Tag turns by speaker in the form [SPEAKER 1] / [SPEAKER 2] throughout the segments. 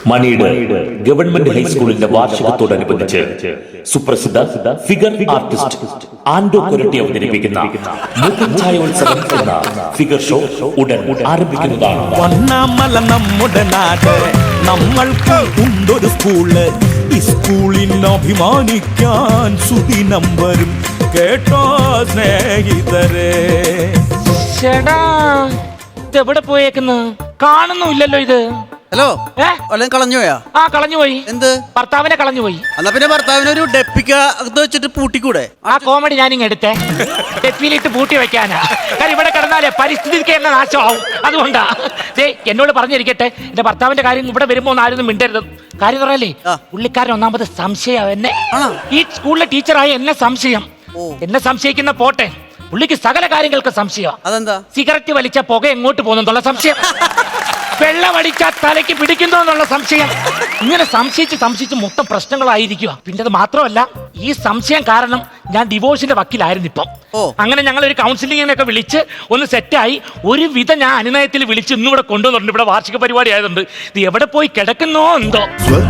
[SPEAKER 1] മണിയുടെ ഗവൺമെന്റ് ഹൈസ്കൂളിന്റെ വാർഷികത്തോടനുബന്ധിച്ച് സുപ്രസിദ്ധ ഫിഗർ ആർട്ടിസ്റ്റ് ആൻഡോ കൊരട്ടി അവതരിപ്പിക്കുന്ന മുഖഛായോത്സവം എന്ന ഫിഗർ ഷോ ഉടൻ ആരംഭിക്കുന്നതാണ്.
[SPEAKER 2] വണ്ണാമല നമ്മുടെ നാട്, നമ്മൾക്ക് ഉണ്ടൊരു സ്കൂള്. ഈ സ്കൂളിൽ അഭിമാനിക്കാൻ സുദിനം വരും കേട്ടോ സ്നേഹിതരെ.
[SPEAKER 3] ചേടാ ഇതെവിടെ പോയേക്കുന്നു? കാണുന്നുമില്ലല്ലോ ഇത്.
[SPEAKER 4] ഹലോ, കളഞ്ഞുപോയാ?
[SPEAKER 3] ആ കളഞ്ഞുപോയി.
[SPEAKER 4] എന്ത്?
[SPEAKER 3] ഭർത്താവിനെ കളഞ്ഞുപോയി.
[SPEAKER 4] എന്നാ പിന്നെ ഭർത്താവിനെ ഒരു ഡെപ്പിക്ക വെച്ചിട്ട് പൂട്ടിക്കൂടെ?
[SPEAKER 3] ആ കോമഡി ഞാനിങ് എടുത്തേ. ഡെപ്പിയിലിട്ട് പൂട്ടി വെക്കാനാ. കാരണം ഇവിടെ കിടന്നാലേ പരിസ്ഥിതിക്ക് തന്നെ നാശമാവും. അതുകൊണ്ടാ എന്നോട് പറഞ്ഞിരിക്കട്ടെ, എന്റെ ഭർത്താവിന്റെ കാര്യം ഇവിടെ വരുമ്പോ ഒന്നും ആരും മിണ്ടരുത്. കാര്യം പറയല്ലേ, പുള്ളിക്കാരൻ ഒന്നാമത് സംശയം എന്നെ. ഈ സ്കൂളിലെ ടീച്ചറായ എന്നെ സംശയം. എന്നെ സംശയിക്കുന്ന പോട്ടെ, പുള്ളിക്ക് സകല കാര്യങ്ങൾക്ക് സംശയം.
[SPEAKER 4] അതെന്താ?
[SPEAKER 3] സിഗരറ്റ് വലിച്ച പുക എങ്ങോട്ട് പോകുന്നുള്ള സംശയം, വെള്ളമടിച്ച തലയ്ക്ക് പിടിക്കുന്നു എന്നുള്ള സംശയം. ഇങ്ങനെ സംശയിച്ച് മൊത്തം പ്രശ്നങ്ങളായിരിക്കുക. പിന്നെ അത് മാത്രമല്ല, ഈ സംശയം കാരണം ഞാൻ ഡിവോഴ്സിന്റെ വക്കീലായിരുന്നു ഇപ്പം. അങ്ങനെ ഞങ്ങൾ ഒരു കൗൺസിലിങ്ങിനൊക്കെ വിളിച്ച് ഒന്ന് സെറ്റായി. ഒരുവിധം ഞാൻ അനുനയത്തിൽ വിളിച്ച് ഇന്നിവിടെ കൊണ്ടുവന്നിട്ടുണ്ട്. ഇവിടെ വാർഷിക പരിപാടി ആയതുകൊണ്ട് ഇത് എവിടെ പോയി കിടക്കുന്നോ എന്തോ.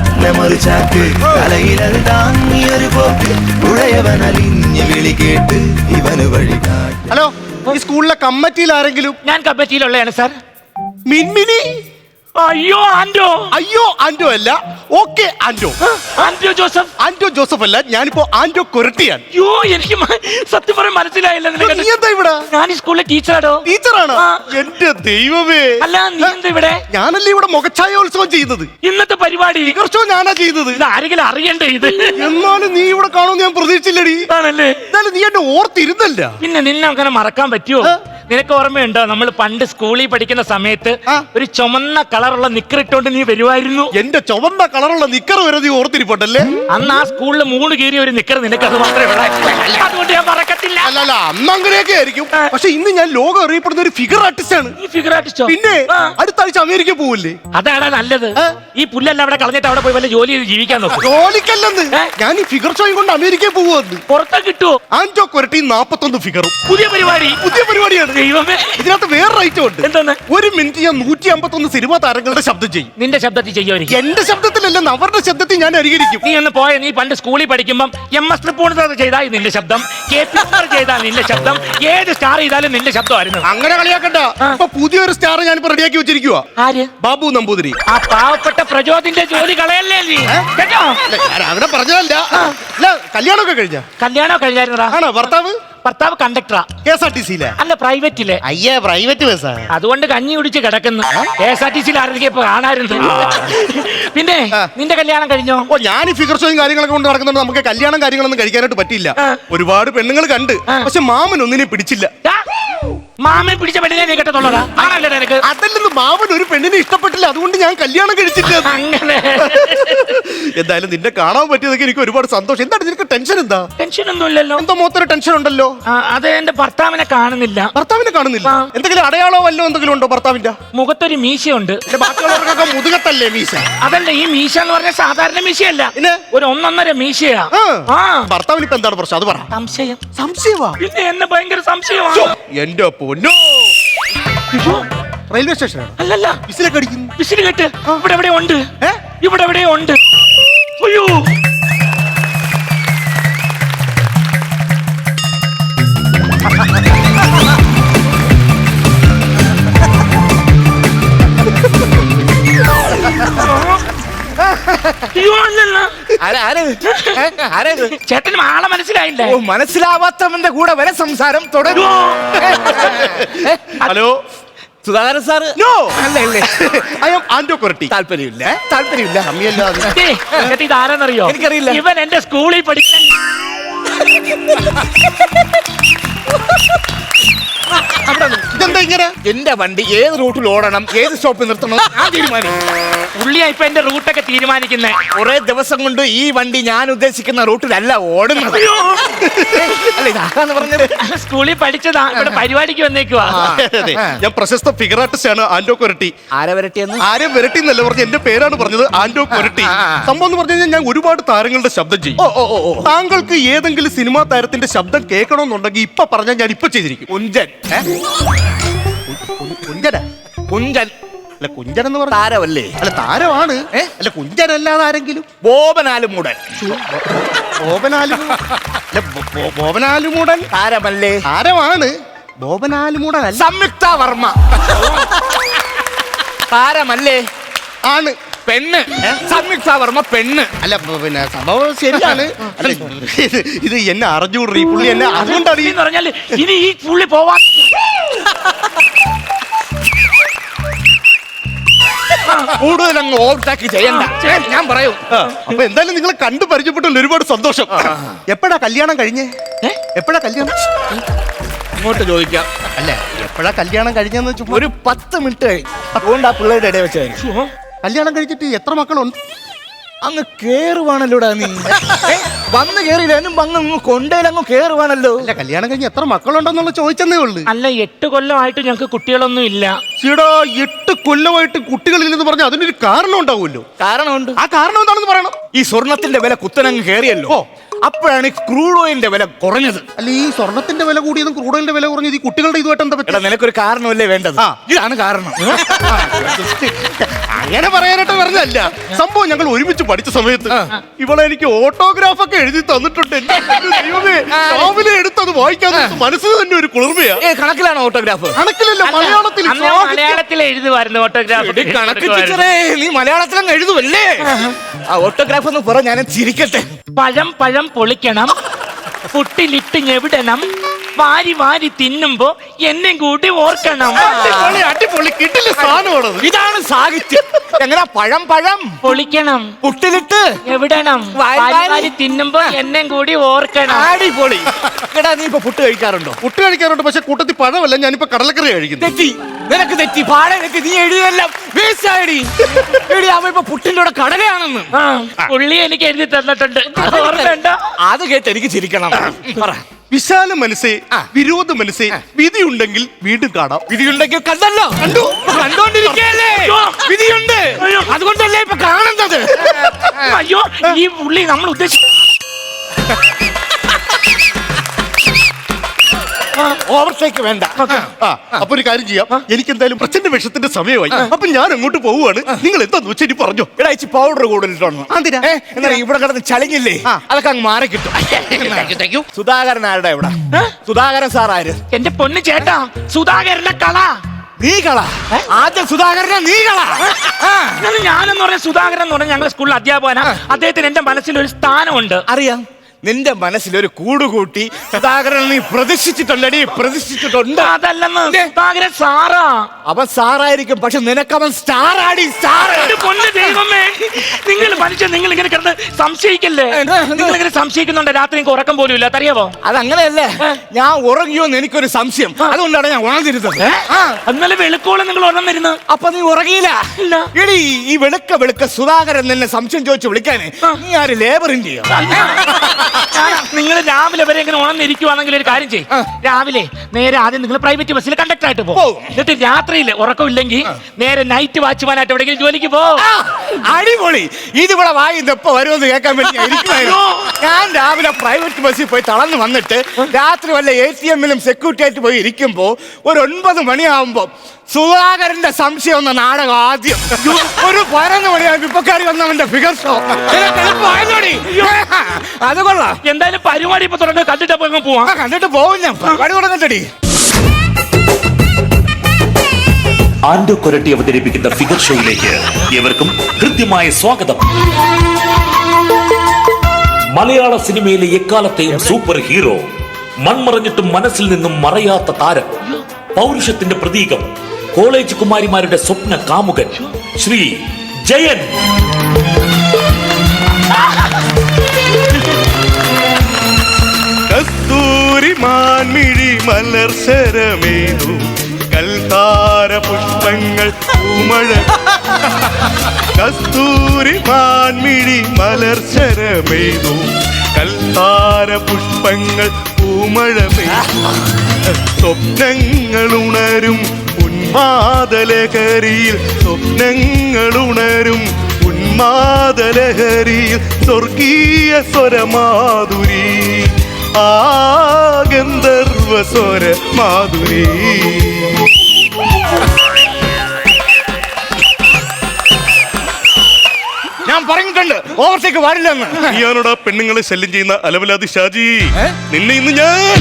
[SPEAKER 5] ഹലോ, ഈ സ്കൂളിലെ കമ്മിറ്റിയിൽ ആരെങ്കിലും?
[SPEAKER 3] ഞാൻ കമ്മിറ്റിയിലുള്ളതാണ് സാർ.
[SPEAKER 5] മിൻമിനി?
[SPEAKER 3] അയ്യോ ആൻഡോ.
[SPEAKER 5] അയ്യോ ആൻഡോ അല്ല, okay Ando.
[SPEAKER 3] Ando Joseph.
[SPEAKER 5] Ando Joseph അല്ല, ഞാനിപ്പോ ആൻഡോ കൊരട്ടിയാണ്.
[SPEAKER 3] അയ്യോ എനിക്ക് സത്യം പറയാൻ മനസ്സിലായില്ല.
[SPEAKER 5] നീ എന്താ ഇവിടെ?
[SPEAKER 3] ഞാൻ ഈ സ്കൂളിലെ ടീച്ചറാടോ.
[SPEAKER 5] ടീച്ചറാണ്? എന്റെ ദൈവമേ.
[SPEAKER 3] അല്ല നീ എന്താ ഇവിടെ?
[SPEAKER 5] ഞാനല്ലേ ഇവിടെ മുഖഛായോത്സവം ചെയ്യുന്നത്.
[SPEAKER 3] ഇന്നത്തെ പരിപാടി
[SPEAKER 5] ഫിഗർ ഷോ ഞാനാ ചെയ്യുന്നത്.
[SPEAKER 3] ഇത് ആരെങ്കിലും അറിയണ്ടേ ഇത്?
[SPEAKER 5] എന്നാലും നീ ഇവിടെ കാണുമെന്ന് ഞാൻ പ്രതീക്ഷിച്ചില്ലടി.
[SPEAKER 3] ആണല്ലേ?
[SPEAKER 5] എന്നാലും നീ എന്നെ ഓർത്തിരുന്നല്ല.
[SPEAKER 3] പിന്നെ നിന്നെ അങ്ങനെ മറക്കാൻ പറ്റുമോ? നിനക്ക് ഓർമ്മയുണ്ടോ, നമ്മൾ പണ്ട് സ്കൂളിൽ പഠിക്കുന്ന സമയത്ത് ഒരു ചുമന്ന കളറുള്ള നിക്കർ ഇട്ടോണ്ട് നീ വരുമായിരുന്നു.
[SPEAKER 5] എന്റെ ചുവന്ന കളറുള്ള നിക്കർ വരെ നീ ഓർത്തിരിപ്പട്ടല്ലേ?
[SPEAKER 3] അന്ന് ആ സ്കൂളിൽ 3 കീറിയ ഒരു നിക്കർ നിനക്ക് അത് മാത്രമേ ഉള്ളൂ. അതുകൊണ്ട് ഞാൻ മറക്കത്തില്ല.
[SPEAKER 5] അല്ല, അന്ന് അങ്ങനെയൊക്കെ ആയിരിക്കും. പക്ഷെ ഇന്ന് ഞാൻ ലോകം അറിയപ്പെടുന്ന ഒരു ഫിഗർ ആർട്ടിസ്റ്റ് ആണ്.
[SPEAKER 3] ഈ ഫിഗർ ആർട്ടിസ്റ്റോ?
[SPEAKER 5] പിന്നെ അടുത്ത ആഴ്ച അമേരിക്ക പോവില്ലേ?
[SPEAKER 3] അതാണ് നല്ലത്. ഈ പുല്ലെല്ലാം അവിടെ കളഞ്ഞിട്ട് അവിടെ പോയി വല്ല ജോലി ചെയ്ത് ജീവിക്കാൻ നോക്കും.
[SPEAKER 5] ജോലിക്കല്ലെന്ന്, ഞാൻ ഈ ഫിഗർ ഷോയും കൊണ്ട് അമേരിക്കയിൽ പോകുമെന്ന്.
[SPEAKER 3] പുറത്തെ കിട്ടുമോ?
[SPEAKER 5] ആൻഡോ കൊരട്ടി 41 ഫിഗറും.
[SPEAKER 3] പുതിയ പരിപാടിയാണ്.
[SPEAKER 5] ദൈവമേ, ഇതിനകത്ത് വേറെ ഐറ്റം ഉണ്ട്.
[SPEAKER 3] എന്താണ്?
[SPEAKER 5] 1 മിനിറ്റ് ഞാൻ 151 സിനിമാ താരങ്ങളുടെ ശബ്ദം ചെയ്യും.
[SPEAKER 3] നിന്റെ ശബ്ദത്തിൽ ചെയ്യുമായിരിക്കും.
[SPEAKER 5] എന്റെ ശബ്ദത്തിലല്ല, അവരുടെ ശബ്ദത്തിൽ ഞാൻ അനുകരിക്കും.
[SPEAKER 3] നീ ഒന്ന് പോയ, നീ പണ്ട് സ്കൂളിൽ പഠിക്കുമ്പം MS തൃപ്പൂണിത്തുറ ചെയ്താൽ നിന്റെ ശബ്ദം, KP ചെയ്താൽ നിന്റെ ശബ്ദം, ഏത് സ്റ്റാർ ചെയ്താലും നിന്റെ ശബ്ദമായിരുന്നു.
[SPEAKER 5] അങ്ങനെ കളിയാക്കണ്ട. ഇപ്പൊ പുതിയൊരു സ്റ്റാർ ഞാനിപ്പോ റെഡിയാക്കി വെച്ചിരിക്കുക.
[SPEAKER 3] ആര്?
[SPEAKER 5] ബാബു നമ്പൂതിരി.
[SPEAKER 3] ആ പാവപ്പെട്ട പ്രചോദിന്റെ ജോലി കളയല്ലേ നീ? കേട്ടോ?
[SPEAKER 5] അങ്ങനെ പറഞ്ഞതല്ല. കല്യാണമൊക്കെ
[SPEAKER 3] കല്യാണം കഴിഞ്ഞായിരുന്നടാ.
[SPEAKER 5] ആണോ?
[SPEAKER 3] ഭർത്താവ് കണ്ടക്ടറാ.
[SPEAKER 5] KSRTC-യിലെ?
[SPEAKER 3] അല്ല, പ്രൈവറ്റിലെ.
[SPEAKER 5] അയ്യേ, പ്രൈവറ്റ് ബസ്സാ.
[SPEAKER 3] അതുകൊണ്ട് കഞ്ഞി കുടിച്ച് കിടക്കുന്നു. KSRTC-യിൽ ആരെങ്കിലും ഇപ്പൊ കാണാറുണ്ട്. പിന്നെ നിന്റെ കല്യാണം കഴിഞ്ഞോ?
[SPEAKER 5] ഞാൻ ഈ ഫിഗർ ഷോയും കാര്യങ്ങളൊക്കെ കൊണ്ട് നടക്കുന്നുണ്ട്. നമുക്ക് കല്യാണം കാര്യങ്ങളൊന്നും കഴിക്കാനായിട്ട് പറ്റില്ല. ഒരുപാട് പെണ്ണുങ്ങൾ കണ്ട്, പക്ഷെ മാമൻ ഒന്നിനെ പിടിച്ചില്ല.
[SPEAKER 3] മാമൻ പിടിച്ച പെണ്ണിനെ നീ കേട്ടതുള്ളതാ? ആണല്ലേ നിനക്ക്?
[SPEAKER 5] അതല്ലെന്ന്, മാമൻ ഒരു പെണ്ണിനെ ഇഷ്ടപ്പെട്ടില്ല, അതുകൊണ്ട് ഞാൻ കല്യാണം കഴിച്ചില്ല.
[SPEAKER 3] അങ്ങനെ
[SPEAKER 5] എന്തായാലും നിന്നെ കാണാൻ പറ്റിയതൊക്കെ എനിക്ക് ഒരുപാട് സന്തോഷം. എന്താണ് നിനക്ക് ടെൻഷൻ? എന്താ?
[SPEAKER 3] ടെൻഷൻ ഒന്നുമില്ലല്ലോ.
[SPEAKER 5] എന്തോ മൊത്തം ടെൻഷൻ ഉണ്ടല്ലോ.
[SPEAKER 3] അത് എന്റെ ഭർത്താവിനെ കാണുന്നില്ല.
[SPEAKER 5] ഭർത്താവിനെ കാണുന്നില്ല? എന്തെങ്കിലും അടയാളോ വല്ലോ എന്തെങ്കിലും ഉണ്ടോ ഭർത്താവിന്റെ?
[SPEAKER 3] മുഖത്തൊരു മീശയുണ്ട്.
[SPEAKER 5] ബാക്കിയുള്ളവർക്കൊക്കെ മുതുകത്തല്ലേ മീശ?
[SPEAKER 3] അതല്ല, ഈ മീശ എന്ന് പറഞ്ഞ സാധാരണ മീശയല്ല, ഒരു 1.5 മീശയാ.
[SPEAKER 5] ഭർത്താവിന് ഇപ്പൊ എന്താണ് പ്രശ്നം? അത് പറ. സംശയമാ?
[SPEAKER 3] പിന്നെ എന്നെ ഭയങ്കര സംശയമാണ്.
[SPEAKER 5] എന്റെ പൊന്നോ, റെയിൽവേ സ്റ്റേഷനാണ്?
[SPEAKER 3] അല്ലല്ല,
[SPEAKER 5] വിസിലൊക്കെ അടിക്കുന്നു.
[SPEAKER 3] വിസിൽ കേട്ട് ഇവിടെ എവിടെ ഉണ്ട്. ഇവിടെ എവിടെ ഉണ്ട്. അയ്യോ, ചേട്ടന് ആളെ മനസ്സിലായില്ലേ?
[SPEAKER 4] മനസ്സിലാവാത്തവന്റെ കൂടെ വരെ സംസാരം തുടരും.
[SPEAKER 5] Hello,
[SPEAKER 4] Sudhakaran sir?
[SPEAKER 5] നോ, അല്ലേ. I am Ando Koratty.
[SPEAKER 4] താല്പര്യമില്ല.
[SPEAKER 3] ഇത് ആരെന്നറിയോ?
[SPEAKER 4] എനിക്കറിയില്ല.
[SPEAKER 3] ഇവൻ എന്റെ സ്കൂളിൽ പഠിക്കാൻ
[SPEAKER 5] ഇതെന്താ ഇങ്ങനെ?
[SPEAKER 4] എന്റെ വണ്ടി ഏത് റൂട്ടിൽ ഓടണം, ഏത് സ്റ്റോപ്പിൽ നിർത്തണം ആ തീരുമാനം.
[SPEAKER 3] പുള്ളിയാ ഇപ്പൊ എന്റെ റൂട്ടൊക്കെ തീരുമാനിക്കുന്നേ.
[SPEAKER 4] കുറെ ദിവസം കൊണ്ട് ഈ വണ്ടി ഞാൻ ഉദ്ദേശിക്കുന്ന റൂട്ടിലല്ല ഓടുന്നത്. അല്ല, ഇതാന്ന് പറഞ്ഞത്.
[SPEAKER 3] സ്കൂളിൽ പഠിച്ചതാ, ഇവിടെ പരിപാടിക്ക് വന്നേക്കുവാ.
[SPEAKER 5] ഞാൻ പ്രശസ്ത ഫിഗർ ആർട്ടിസ്റ്റ് ആണ് ആൻഡോ കൊരട്ടി.
[SPEAKER 4] ആരെ വരട്ടിയെന്ന്?
[SPEAKER 5] ആരും വരട്ടി എന്നല്ല പറഞ്ഞ, എന്റെ പേരാണ് പറഞ്ഞത്, ആൻഡോ കൊരട്ടി. സംഭവം എന്ന് പറഞ്ഞു കഴിഞ്ഞാൽ ഞാൻ ഒരുപാട് താരങ്ങളുടെ ശബ്ദം ചെയ്യും. താങ്കൾക്ക് ഏതെങ്കിലും സിനിമാ താരത്തിന്റെ ശബ്ദം കേൾക്കണമെന്നുണ്ടെങ്കിൽ ഇപ്പൊ പറഞ്ഞാൽ ഞാൻ ഇപ്പൊ ചെയ്തിരിക്കും.
[SPEAKER 4] കുഞ്ചൻ.
[SPEAKER 5] അല്ല കുഞ്ചൻ എന്ന് പറഞ്ഞ
[SPEAKER 4] താരമല്ലേ?
[SPEAKER 5] അല്ല താരമാണ്. അല്ല കുഞ്ചനല്ലാതെ ആരെങ്കിലും?
[SPEAKER 4] ബോബനാലുമൂടൻ.
[SPEAKER 5] ബോബനാലുമൂടൻ
[SPEAKER 4] താരമല്ലേ?
[SPEAKER 5] താരമാണ്. ബോബനാലുമൂടൻ അല്ല.
[SPEAKER 4] സംയുക്ത വർമ്മ താരമല്ലേ?
[SPEAKER 5] ആണ്.
[SPEAKER 4] പെണ്ണ്. സംയുക്ത വർമ്മ പെണ്ണ്.
[SPEAKER 5] അല്ല പിന്നെ സംഭവം ശരിയാണ്. അല്ല ഇത് എന്നെ അറിഞ്ഞുകൂടി ഈ പുള്ളി എന്നെ അതുകൊണ്ടാണ് ഈ
[SPEAKER 3] എന്ന് പറഞ്ഞാല് ഇനി ഈ പുള്ളി പോവാ.
[SPEAKER 4] കൂടുതൽ അങ്ങ് ഓവർടാക്ക് ചെയ്യണ്ട. ഞാൻ പറയൂ.
[SPEAKER 5] അപ്പൊ എന്തായാലും നിങ്ങളെ കണ്ടു പരിചയപ്പെട്ടതിൽ ഒരുപാട് സന്തോഷം. എപ്പോഴാ കല്യാണം കഴിഞ്ഞേ? എപ്പോഴാ കല്യാണം?
[SPEAKER 4] ഇങ്ങോട്ട് ചോദിക്കാം.
[SPEAKER 5] അല്ല എപ്പോഴാ കല്യാണം കഴിഞ്ഞെന്ന് വെച്ചാൽ
[SPEAKER 4] ഒരു 10 മിനിറ്റ് കഴിഞ്ഞു. അതുകൊണ്ട് ആ പിള്ളേരുടെ ഇടയിൽ വെച്ചായിരുന്നു.
[SPEAKER 5] കല്യാണം കഴിച്ചിട്ട് എത്ര മക്കളുണ്ട്?
[SPEAKER 4] അങ്ങ് കേറുവാണല്ലോടാ നീ. വന്ന് കേറിയില്ലും വന്ന് കൊണ്ടേലങ്ങ് കേറുവാണല്ലോ.
[SPEAKER 5] അല്ല കല്യാണം കഴിഞ്ഞ് എത്ര മക്കളുണ്ടെന്നുള്ള ചോദിച്ചെന്നേ ഉള്ളു.
[SPEAKER 3] അല്ല 8 കൊല്ലമായിട്ട് ഞങ്ങൾക്ക് കുട്ടികളൊന്നും ഇല്ല.
[SPEAKER 5] ചേടാ 8 കൊല്ലമായിട്ട് കുട്ടികളില്ലെന്ന് പറഞ്ഞാൽ അതിനൊരു കാരണം ഉണ്ടാവുമല്ലോ.
[SPEAKER 4] കാരണമുണ്ട്.
[SPEAKER 5] ആ കാരണം എന്താണെന്ന് പറയണം.
[SPEAKER 4] ഈ സ്വർണത്തിന്റെ വില കുത്തനങ്ങ് കേറിയല്ലോ. അപ്പോഴാണ് ഈ ക്രൂഡ് ഓയിലിന്റെ വില കുറഞ്ഞത്.
[SPEAKER 5] അല്ല ഈ സ്വർണത്തിന്റെ വില കൂടിയതും ക്രൂഡ് ഓയിലിന്റെ വില കുറഞ്ഞത് ഈ കുട്ടികളുടെ ഇതുമായിട്ട് എന്താ പറ്റുക?
[SPEAKER 4] നിനക്കൊരു കാരണമല്ലേ വേണ്ടത്? ഇതാണ് കാരണം.
[SPEAKER 5] അങ്ങനെ പറയാനായിട്ട് പറഞ്ഞല്ല. സംഭവം ഞങ്ങൾ ഒരുമിച്ച് പഠിച്ച സമയത്ത് ഇവളെ എനിക്ക് ഓട്ടോഗ്രാഫ് ഒക്കെ എഴുതി തന്നിട്ടുണ്ട്. എന്റെ ദൈവമേ, രാവിലെ എടുത്തത് വായിക്കാൻ മനസ്സിന് തന്നെ ഒരു കുളിർമയാ.
[SPEAKER 4] കണക്കിലാണ് ഓട്ടോഗ്രാഫ്?
[SPEAKER 5] കണക്കിലല്ല, മലയാളത്തിൽ.
[SPEAKER 3] മലയാളത്തിൽ എഴുതുമായിരുന്നു ഓട്ടോഗ്രാഫ്.
[SPEAKER 4] കണക്ക് ടീച്ചറേ, നീ മലയാളത്തിലങ്ങ് എഴുതുമല്ലേ? ആ ഓട്ടോഗ്രാഫ് എന്ന് പറ, ഞാൻ ചിരിക്കട്ടെ.
[SPEAKER 3] പഴം പഴം പൊളിക്കണം, പുട്ടിലിട്ട് ഞെവിടണം, വാരി വാരി തിന്നുമ്പോ എന്നെ കൂടി ഓർക്കണം.
[SPEAKER 5] അടിപൊളി കിട്ടില്ല സാധനമാണത്.
[SPEAKER 4] ഇതാണ് സാഹിത്യം. എങ്ങനെ? പഴം പഴം
[SPEAKER 3] പൊളിക്കണം,
[SPEAKER 4] പുട്ടിലിട്ട്
[SPEAKER 3] എവിടണം, വാരി വാരി തിന്നുമ്പോ എന്നെ കൂടി ഓർക്കണം.
[SPEAKER 4] അടിപൊളി. എടാ നീ ഇപ്പൊ പുട്ട് കഴിക്കാറുണ്ടോ?
[SPEAKER 5] പുട്ട് കഴിക്കാറുണ്ട്, പക്ഷെ കൂട്ടത്തിൽ പഴമല്ല, ഞാനിപ്പോ കടലക്കറി കഴിക്കുന്നു.
[SPEAKER 4] തെറ്റി, നിനക്ക് തെറ്റി. പാടേക്ക് നീ എഴുതിയെല്ലാം വേസ്റ്റ് ആയിടി. അവ ഇപ്പൊ പുട്ടിന്റെ കൂടെ കടലയാണെന്ന്
[SPEAKER 3] പുള്ളി എനിക്ക് എഴുതി തന്നിട്ടുണ്ട്.
[SPEAKER 4] അത് കേട്ട് എനിക്ക് ചിരിക്കണം. പറ.
[SPEAKER 5] വിശാല മനസ്സേ, വിരോധ മനസ്സേ, വിധിയുണ്ടെങ്കിൽ വീണ്ടും കാണാം.
[SPEAKER 4] വിധിയുണ്ടെങ്കിൽ കണ്ടല്ലോ, കണ്ടു, കണ്ടോണ്ടിരിക്കല്ലേ. വിധിയുണ്ട്, അതുകൊണ്ടല്ലേ ഇപ്പൊ കാണുന്നത്.
[SPEAKER 3] അയ്യോ, ഈ പുള്ളി നമ്മൾ ഉദ്ദേശിച്ച
[SPEAKER 4] ഓവർടേക്ക് വേണ്ട.
[SPEAKER 5] അപ്പൊ ഒരു കാര്യം ചെയ്യാം, എനിക്ക് എന്തായാലും പ്രച്ഛന്ന വിഷത്തിന്റെ സമയമായി. അപ്പൊ ഞാൻ അങ്ങോട്ട് പോവുകയാണ്. നിങ്ങൾ എന്താന്ന് വെച്ചാൽ ഇനി പറഞ്ഞോ.
[SPEAKER 4] ഇടാച്ചി പൗഡർ കൂടുതലിട്ടോണം. എന്നാ ഇവിടെ കിടന്ന് ചളിങ്ങില്ലേ, അതൊക്കെ അങ്ങ് മാറി കിട്ടും. സുധാകരൻ ആരുടെ ഇവിടെ? സുധാകരൻ സാർ ആര്?
[SPEAKER 3] എന്റെ പൊന്ന് ചേട്ടാ, സുധാകരന്റെ കള.
[SPEAKER 4] നീ കള. ആദ്യം സുധാകരനെ നീ കള.
[SPEAKER 3] ഞാനെന്ന് പറഞ്ഞ സുധാകരൻ എന്ന് പറഞ്ഞ ഞങ്ങളുടെ സ്കൂളിൽ അധ്യാപകനാ. അദ്ദേഹത്തിന് എന്റെ മനസ്സിൽ ഒരു സ്ഥാനമുണ്ട്.
[SPEAKER 4] അറിയാം. നിന്റെ മനസ്സിലൊരു കൂടുകൂട്ടി സുധാകരൻ നീ പ്രതിഷ്ഠിച്ചിട്ടുണ്ടടി, പ്രതിഷ്ഠിച്ചിട്ടുണ്ട്.
[SPEAKER 3] അതല്ലെന്ന്, സുധാകരൻ സാറാ.
[SPEAKER 4] അവൻ സാറായിരിക്കും, പക്ഷെ നിനക്കവൻ സ്റ്റാർ ആടി. സ്റ്റാർ.
[SPEAKER 3] പൊന്ന് ദൈവമേ, നിങ്ങൾ മനുഷ്യൻ, നിങ്ങൾ ഇങ്ങനെ കിടന്ന് സംശയിക്കല്ലേ. നിങ്ങൾ ഇങ്ങനെ സംശയിക്കുന്നുണ്ട്. രാത്രി എനിക്ക് ഉറക്കം പോലും ഇല്ല, അറിയാവോ?
[SPEAKER 4] അതങ്ങനെയല്ലേ, ഞാൻ ഉറങ്ങിയോന്ന് എനിക്കൊരു സംശയം. അതുകൊണ്ടാണ് ഞാൻ ഉണർന്നിരുന്നത്.
[SPEAKER 3] എന്നാലും വെളുക്കോളം നിങ്ങൾ ഉണർന്നിരുന്നു.
[SPEAKER 4] അപ്പൊ നീ ഉറങ്ങിയില്ല? എടി, ഈ വെളുക്ക സുധാകരൻ നിന്നെ സംശയം ചോദിച്ചു വിളിക്കാന് നീ ആര് ലേബറിന്റെയോ?
[SPEAKER 3] നിങ്ങൾ രാവിലെ വരെ ഇങ്ങനെ ഉണർന്നിരിക്കുവാണെങ്കിൽ ഒരു കാര്യം ചെയ്യും. രാവിലെ നേരെ ആദ്യം നിങ്ങൾ പ്രൈവറ്റ് ബസ്സിൽ കണ്ടക്ടർ ആയിട്ട് പോകും. എന്നിട്ട് രാത്രിയിൽ ഉറക്കമില്ലെങ്കിൽ നേരെ നൈറ്റ് വാച്ച്മാനായിട്ട് എവിടെയെങ്കിലും ജോലിക്ക് പോകും.
[SPEAKER 4] അടിപൊളി. ഇതിവിടെ വായി എപ്പോ വരുമെന്ന് കേൾക്കാൻ വേണ്ടി ഞാൻ രാവിലെ പ്രൈവറ്റ് ബസ്സിൽ പോയി തളർന്നു വന്നിട്ട് രാത്രി വല്ല ATM-ലും സെക്യൂരിറ്റി ആയിട്ട് പോയി ഇരിക്കുമ്പോ ഒരു 9 മണിയാവുമ്പോ സുധാകരന്റെ സംശയം എന്ന നാടകം ആദ്യം ഒരു 11 മണിയാകും ഇപ്പൊ കയറി വന്നവന്റെ ഫിഗർ ഷോ. അത് കൊള്ളാം.
[SPEAKER 3] എന്തായാലും പരിപാടി ഇപ്പൊ തുടങ്ങി, കണ്ടിട്ട് പോവാം.
[SPEAKER 4] കണ്ടിട്ട് പോകും ഞാൻ. പരിപാടി തുടങ്ങട്ടടി.
[SPEAKER 1] ആൻഡോ കൊരട്ടി അവതരിപ്പിക്കുന്ന ഫിഗർ ഷോയിലേക്ക് ഏവർക്കും കൃത്യമായ സ്വാഗതം. മലയാള സിനിമയിലെ എക്കാലത്തെയും സൂപ്പർ ഹീറോ, മൺമറഞ്ഞിട്ടും മനസ്സിൽ നിന്നും മറയാത്ത താരം, പൗരുഷത്തിന്റെ പ്രതീകം, കോളേജ് കുമാരിമാരുടെ സ്വപ്ന കാമുകൻ, ശ്രീ ജയൻ.
[SPEAKER 5] കസ്തൂരി മാൻമിഴി മലർശരമേതു കൽത്താര പുഷ്പങ്ങൾ പൂമഴ. കസ്തൂരി മാൻമിഴി മലർശരമേതു കൽത്താര പുഷ്പങ്ങൾ പൂമഴ പെയ്തു. സ്വപ്നങ്ങൾ ഉണരും ഉന്മാദലഹരിയിൽ, സ്വപ്നങ്ങൾ ഉണരും ഉന്മാദലഹരിയിൽ, സ്വർഗീയ സ്വരമാധുരി, ആ ഗന്ധർവ സ്വര മാധുരി.
[SPEAKER 4] ഞാൻ പറഞ്ഞിട്ടുണ്ട് ഓവർടേക്ക് പാടില്ലെന്ന്.
[SPEAKER 5] നീയാണോടാ പെണ്ണുങ്ങളെ ശല്യം ചെയ്യുന്ന അലവലാതി ഷാജി? നിന്നെ ഇന്ന് ഞാൻ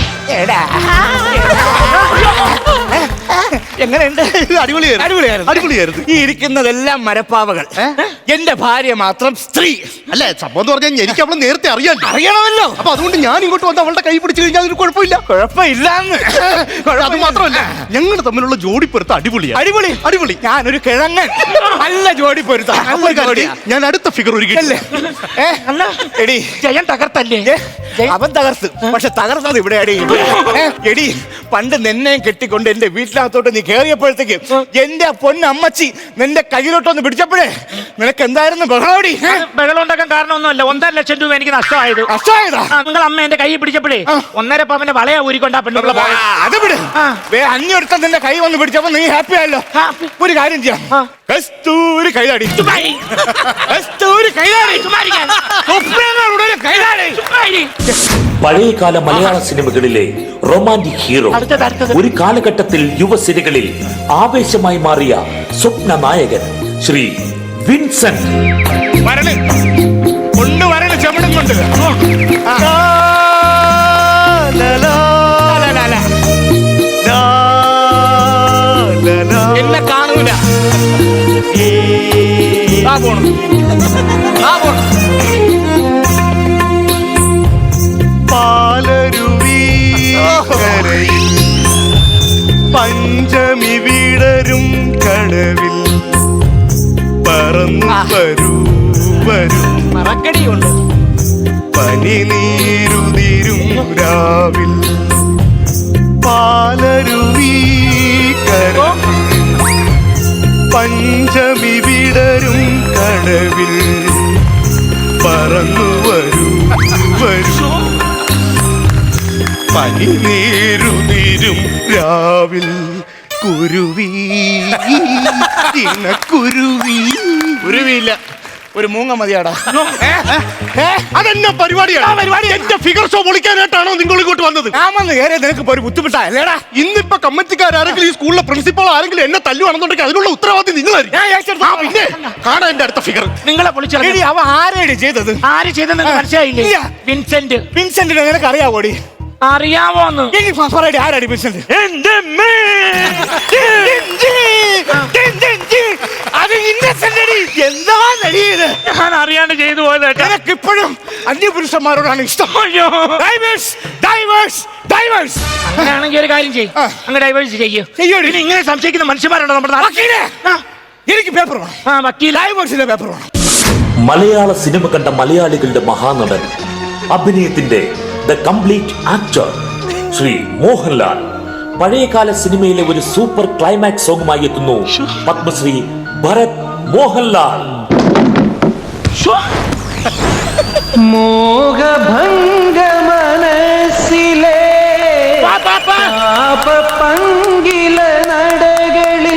[SPEAKER 4] എങ്ങനെയുണ്ട്?
[SPEAKER 5] അടിപൊളിയായിരുന്നു.
[SPEAKER 4] ഈ ഇരിക്കുന്നതെല്ലാം മരപ്പാവകൾ. എന്റെ ഭാര്യ മാത്രം സ്ത്രീ.
[SPEAKER 5] അല്ലേ സംഭവം എന്ന് പറഞ്ഞാൽ എനിക്ക് അവളെ നേരത്തെ
[SPEAKER 4] അറിയണമല്ലോ.
[SPEAKER 5] അപ്പൊ അതുകൊണ്ട് ഞാൻ ഇങ്ങോട്ട് വന്ന് അവളുടെ കൈ പിടിച്ചു കഴിഞ്ഞാൽ അതൊരു കുഴപ്പമില്ല.
[SPEAKER 4] കുഴപ്പമില്ലാന്ന്.
[SPEAKER 5] അത് മാത്രമല്ല ഞങ്ങൾ തമ്മിലുള്ള ജോഡി പൊരുത്ത അടിപൊളിയാണ്.
[SPEAKER 4] അടിപൊളി. ഞാനൊരു കിഴങ്ങൻ. നല്ല ജോഡി പൊരുത്ത.
[SPEAKER 5] ഞാൻ അടുത്ത ഫിഗർ ഒരുക്കില്ലേ?
[SPEAKER 4] എടി
[SPEAKER 3] ജയൻ തകർത്തല്ലേ?
[SPEAKER 4] അവൻ തകർത്ത്. പക്ഷെ തകർന്നത് ഇവിടെ അടി. എടി പണ്ട് നിന്നെയും കെട്ടിക്കൊണ്ട് എന്റെ വീട്ടിനകത്തോട്ട് നീ കേറിയപ്പോഴത്തേക്ക് എന്റെ പൊന്നമ്മച്ചി നിന്റെ കയ്യിലോട്ടൊന്ന് പിടിച്ചപ്പോഴേ നിനക്ക് എന്തായിരുന്നു ബഹളോടി?
[SPEAKER 3] ബഹളം ഉണ്ടാക്കാൻ കാരണമൊന്നുമല്ല. 1.5 ലക്ഷം രൂപ എനിക്ക് നഷ്ടമായത്. നിങ്ങൾ അമ്മ എന്റെ കൈ പിടിച്ചപ്പോഴേ 1.5 പവന്റെ വളയാ ഊരിക്കൊണ്ടാ പെണ്ണുള്ള
[SPEAKER 4] അത് വിട്. അഞ്ഞൊരുത്ത നിന്റെ കൈ വന്ന് പിടിച്ചപ്പോ നീ ഹാപ്പി ആയല്ലോ. ഒരു കാര്യം ചെയ്യാം. കസ്തൂരി കൈതാടി. കസ്തൂരി കൈതാടി.
[SPEAKER 1] പഴയകാല മലയാള സിനിമകളിലെ റൊമാന്റിക് ഹീറോ, ഒരു കാലഘട്ടത്തിൽ യുവസിനികളിൽ ആവേശമായി മാറിയ സ്വപ്ന നായകൻ ശ്രീ വിൻസെന്റ്.
[SPEAKER 4] കൊണ്ടുവരണ ചെവിടും കൊണ്ട് എന്നെ കാണൂല.
[SPEAKER 5] പാലരുവി പഞ്ചമി വിടരും കടവിൽ പറന്നു വരൂ
[SPEAKER 4] മറക്കടിയുണ്ട്.
[SPEAKER 5] പനി നീരുതിരും രാവിൽ പാലരുവി പഞ്ചമി വിടരും കടവിൽ പറന്നു വരൂ പനി നീരുതിരും രാവിൽ കുരുവി
[SPEAKER 4] കുരുവിയില്ല, ഒരു മൂങ്ങ മതിയാടാ.
[SPEAKER 5] അതെന്നാ പരിപാടിയാണ്? എന്റെ ഫിഗർ ഷോ പൊളിക്കാനായിട്ടാണോ നിങ്ങൾ ഇങ്ങോട്ട് വന്നത്?
[SPEAKER 4] ഞാൻ വന്ന് കയറിയ നിനക്ക് ഒരു ബുദ്ധിമുട്ടായല്ലേടാ?
[SPEAKER 5] ഇന്നിപ്പോ കമ്മിറ്റിക്കാരെങ്കിലും ഈ സ്കൂളിലെ പ്രിൻസിപ്പൾ ആരെങ്കിലും എന്നെ തല്ലുവാണെന്നുണ്ടെങ്കിൽ അതിനുള്ള ഉത്തരവാദിത്വം നിങ്ങളായിരിക്കും. പിന്നെ കാണാൻ എന്റെ അടുത്ത ഫിഗർ
[SPEAKER 3] നിങ്ങളെ പൊളിച്ചെടി.
[SPEAKER 4] അവ ആരേടി ചെയ്തത്?
[SPEAKER 3] ആര് ചെയ്തെന്ന് മനസ്സിലായില്ലേ?
[SPEAKER 4] വിൻസെന്റിനെ നിനക്ക് അറിയാവോടി?
[SPEAKER 3] അറിയാമോന്ന്?
[SPEAKER 4] ആരാടി വിൻസെന്റ്? എന്താ
[SPEAKER 3] ഞാൻ അറിയാണ്ട് ചെയ്തു പോയത്.
[SPEAKER 4] നിനക്ക് ഇപ്പോഴും അന്യപുരുഷന്മാരോടാണ് ഇഷ്ടം.
[SPEAKER 3] അങ്ങനെയാണെങ്കിൽ ഒരു കാര്യം ചെയ്യും, അങ്ങ് ഡൈവേഴ്സ് ചെയ്യും. ഇങ്ങനെ സംശയിക്കുന്ന മനുഷ്യന്മാരുണ്ടോ നമ്മുടെ നാട്ടിൽ?
[SPEAKER 4] എനിക്ക് പേപ്പർ വേണം.
[SPEAKER 3] വക്കീൽ
[SPEAKER 4] ഡൈവേഴ്സിന്റെ പേപ്പർ വേണം.
[SPEAKER 1] മലയാള സിനിമ കണ്ട മലയാളികളുടെ മഹാനടൻ, അഭിനയത്തിന്റെ the complete actor Shri Mohanlal പഴയകാല സിനിമയിലെ ഒരു സൂപ്പർ ക്ലൈമാക്സ് സോങ്ങുമായി എത്തുന്നു പത്മശ്രീ ഭരത് മോഹൻലാൽ.
[SPEAKER 6] മോഹഭംഗ മനസ്സിലെ പങ്കില നടകളിൽ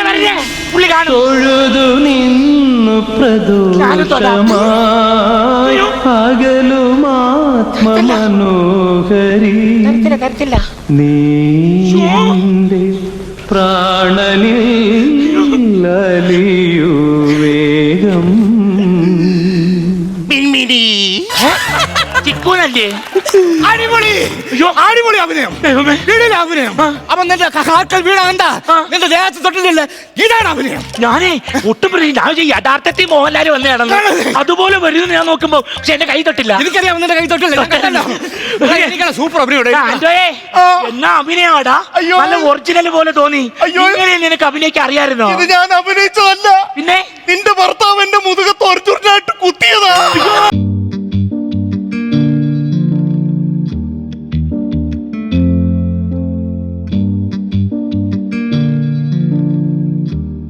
[SPEAKER 6] തൊഴുതു നിന്നു പ്രദോഷമായി പകലുമാത്മ മനോഹരി നീ എന്റെ പ്രാണനിൽ അലിയൂ വേഗം.
[SPEAKER 3] ചിക്കൂനല്ലേ?
[SPEAKER 4] അടിപൊളി അഭിനയം. അപ്പൊ നിന്റെ കാക്കൽ വീണ എന്താ നിന്റെ ദേഹത്ത് തൊട്ടില്ലല്ലേ? ഇതാണ് അഭിനയം.
[SPEAKER 3] ഞാനേ ഒട്ടും ഞാൻ യഥാർത്ഥത്തിൽ മോഹൻലാൽ വന്ന് കിടന്നു അതുപോലെ വരുന്നു. ഞാൻ നോക്കുമ്പോ പക്ഷെ എന്റെ കൈ തൊട്ടില്ല.
[SPEAKER 4] എനിക്കറിയാം നിന്റെ കൈ തൊട്ടില്ല. സൂപ്പർ അഭിനയം.
[SPEAKER 3] എന്നാ അഭിനയാടാ. നല്ല ഒറിജിനൽ പോലെ തോന്നി. ഇങ്ങനെ നിനക്ക് അഭിനയിക്കാൻ അറിയാമായിരുന്നോ?
[SPEAKER 5] ഞാൻ അഭിനയിച്ചതല്ല.
[SPEAKER 3] പിന്നെ